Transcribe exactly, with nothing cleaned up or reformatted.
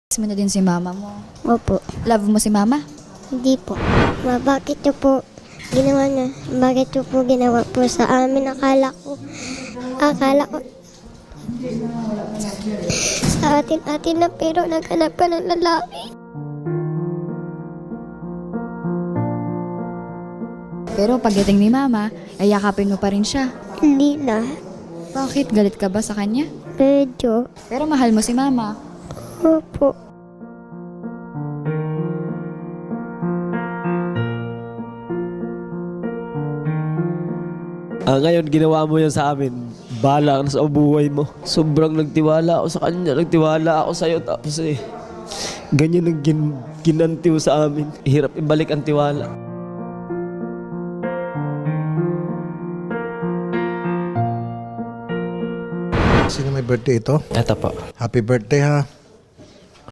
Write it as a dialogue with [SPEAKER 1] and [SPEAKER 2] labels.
[SPEAKER 1] Miss mo na din si mama mo.
[SPEAKER 2] Opo.
[SPEAKER 1] Love mo si mama?
[SPEAKER 2] Hindi po. Ma, bakit niyo po ginawa na? Bakit niyo po ginawa po sa amin? Akala ko, akala ko, sa atin-atin na pero naghanap ka ng lalaki.
[SPEAKER 1] Pero pagdating ni mama, ay yakapin mo pa rin siya.
[SPEAKER 2] Hindi na.
[SPEAKER 1] Bakit? Galit ka ba sa kanya?
[SPEAKER 2] Medyo.
[SPEAKER 1] Pero mahal mo si mama.
[SPEAKER 2] Opo.
[SPEAKER 3] Ah, ngayon, ginawa mo yan sa amin. Bala ka na sa buhay mo. Sobrang nagtiwala ako sa kanya. Nagtiwala ako sa'yo. Tapos eh, ganyan ang gin ginanti mo sa amin. Hirap ibalik ang tiwala.
[SPEAKER 4] Sino may birthday ito?
[SPEAKER 3] Eto po.
[SPEAKER 4] Happy birthday ha.